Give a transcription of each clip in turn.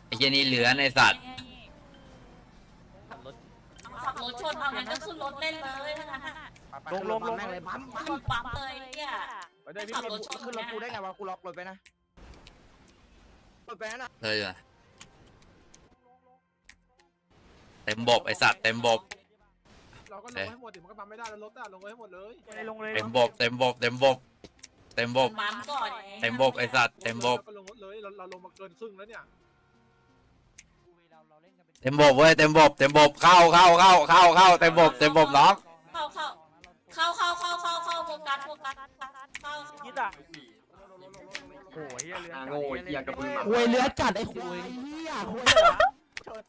ไอ้เหี้ยนี่เหลือในสัตว์ขับรถชนเอางั้นก็ขึ้นรถเล่นเลยถ้างั้นลงแม่งเลยปั๊มปั๊มเลยเนี่ยไปด้วยพี่ขึ้นรถกูได้ไงวะกูล็อกรถไปนะรถไปนะเลยอ่ะเต็มบบไอ้สัตว์เต็มบบเราก็ลงให้หมดดิมันก็ปั๊มไม่ได้แล้วรถอ่ะลงให้หมดเลยลงเลยเต็มบบเต็มบบเต็มบบเต็มบบปั๊มก่อนเต็มบบไอ้สัตว์เต็มบบก็ลงรถเลยเราลงมาเกินครึ่งแล้วเนี่ยเต็มบบเว้ยเต็มบบเต็มบบเข้าเต็มบบน้องเข้าโฟกัสเข้ายิดอ่ะโอ้ยเรือโง่เหี้ยกับมึงคุยเรือจัดไอ้คุยเฮียคุย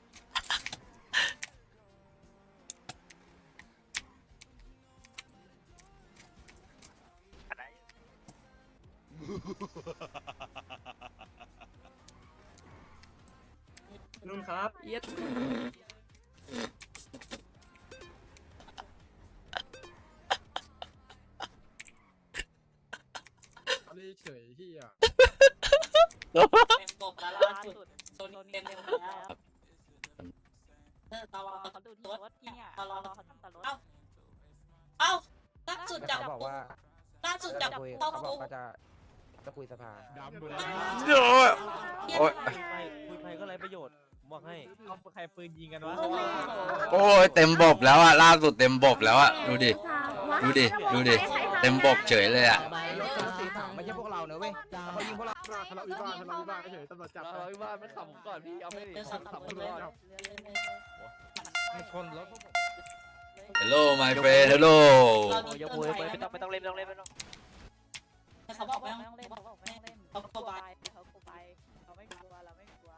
นุ่นครับเอาเลยเฉยที่อ่ะเต็มบบแล้วล่าสุดโดนเต็มแล้วตลอดเขาดูรถเนี่ยตลอดเขาทำตลอดเอ้าล่าสุดจับเขาบอกว่าล่าสุดจับคุยเข้าเขาบอคุกกเขาจะคุยสภาดำเลยโอ้ยโอ้ยคุยไปก็ไรประโยชน์ผมบอกให้เอาใครปืนยิงกันวะโอ้ยเต็มบบแล้วอ่ะล่าสุดเต็มบบแล้วอ่ะดูดิเต็มบบเฉยเลยอ่ะรถคันสีขาวไม่ใช่พวกเราเนอะเว้ยเขายิงพวกเราทะเลาะวิวาทเฉยตำรวจจับเราวิว่าไม่ขำก่อนพี่เอาไม่เดินขำขับขำเลเลย ยไม่ชนรถ Hello my friend Hello ยกมือไม่ต้องเล่นไม่ต้องเขาบอกไม่ต้องเล่นเขาบอกไม่ต้องเล่นเขาก็บายเขาโกไปเราไม่กลัวเราไม่กลัว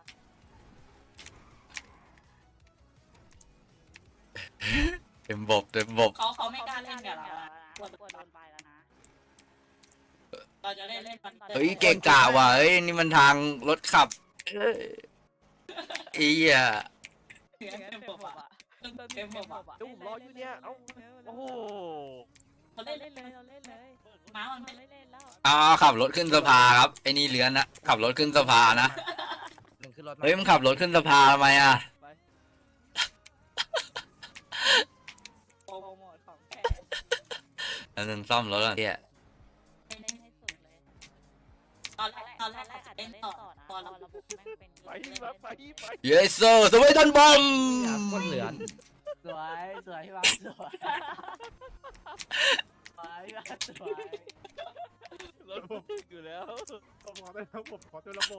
เต็มบบเขาไม่กล้าเล่นกับเรากลัวโดนไปแล้วนะเราจะเล่นมันเฮ้ยเก่งกะว่ะเฮ้ยนี่มันทางรถขับอีอ่ะเต็มบบอ่ะเต็มบบอ่ะดูผมรออยู่เนี่ยเอ้าโอ้โหเขาเล่นเล่นเลยเราเล่นเลยม้ามันไม่เล่นแล้วขับรถขึ้นสภาครับไอ้นี่เลื้อนนะขับรถขึ้นสภานะหนึ่งขึ้นรถเฮ้ยมันขับรถขึ้นสภาทำไมอ่ะโปรโมทของแกอันนึงซ่อมรถอ่ะเนี่ยเล่นให้สุดเลยตอนแรกอาจจะเล่นต่อนะตอนเราระบบแม่งเป็นไปแบบไปเยสโซสวีดันบอมคนเหลือนสวยพี่บ้าสวยพี่บ้าสวยระบบอยู่แล้วผมขอได้ระบบขอตัวระบบ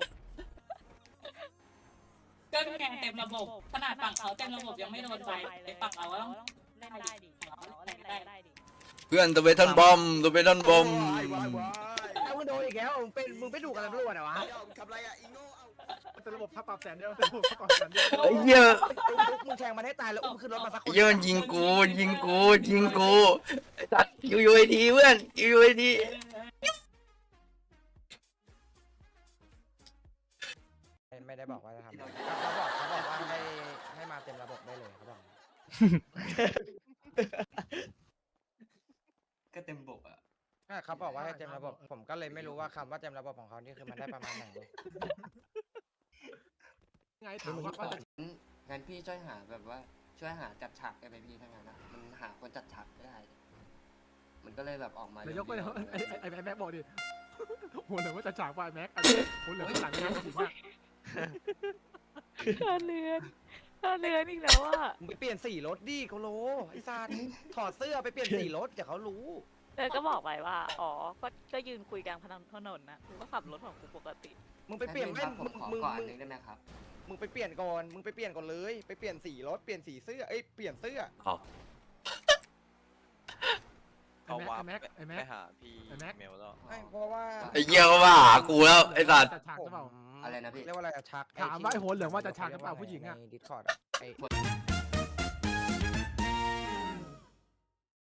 ก็แข่งเต็มระบบขนาดฝั่งเขาเต็มระบบยังไม่โดนไปฝั่งเราต้องเล่นได้ดิเล่นได้ดิเพื่อนสวีดันบอมสวีดันบอมเอามึงโดนอีกแล้วมึงไปดูกันตำรวจเหรอวะทำไรอ่ะอีโง่เอาตัวระบบถ้าปรับแสนเดียวตัวระบบถ้าปรับแสนเดียวไอ้เหี้ยมึงแทงมันให้ตายแล้วอุ้มขึ้นรถมาสักคนไอ้เหี้ยมันยิงกูไอ้สัตว์ยูไอทีเพื่อนยูไอทีไม่ได้บอกว่าจะทำอะไรเขาบอกว่าให้มาเต็มระบบได้เลยเขาบอกก็เต็มบกอ่ะเขาบอกว่าให้เต็มระบบผมก็เลยไม่รู้ว่าคำว่าเต็มระบบของเขานี่คือมันได้ประมาณไหนไงถามว่าจะงั้นพี่ช่วยหาแบบว่าช่วยหาจัดฉากได้ไหมพี่ถ้างั้นนะมันหาคนจัดฉากไม่ได้ มันก็เลยแบบออกมานายกไปไอ้แม็กบอกดิหัวเหลืองว่าจะฉากไฟแม็กหัวเหลืองหลังงานจริงอ่ะเลือนอีกแล้วอ่ะมึงไปเปลี่ยนสีรถดิเขาโลไอ้ซานถอดเสื้อไปเปลี่ยนสีรถเดี๋ยวเขารู้ก็บอกไปว่าอ๋อก็ยืนคุยกลางถนนนะกูก็ขับรถของกูปกติมึงไปเปลี่ยนคไม่รับผมขอก่อนนึงได้ไหมครับมึงไปเปลี่ยนก่อนเลยไปเปลี่ยนสีรถเปลี่ยนสีเสื้อเปลี่ยนเสื้อเอาว่าไอ้แม็ไปกหาพี่เมลแล้วเพราะว่าไอ้เหี้ยก็มาหากูแล้วไอ้สัตว์จัดฉากหรือเปล่าอะไรนะพี่เรียกว่าอะไรอะชักถามว่าไอ้หัวเหลืองว่าจะฉากหรือเปล่าผู้หญิงอ่ะในดิสคอร์ดไอ้หัว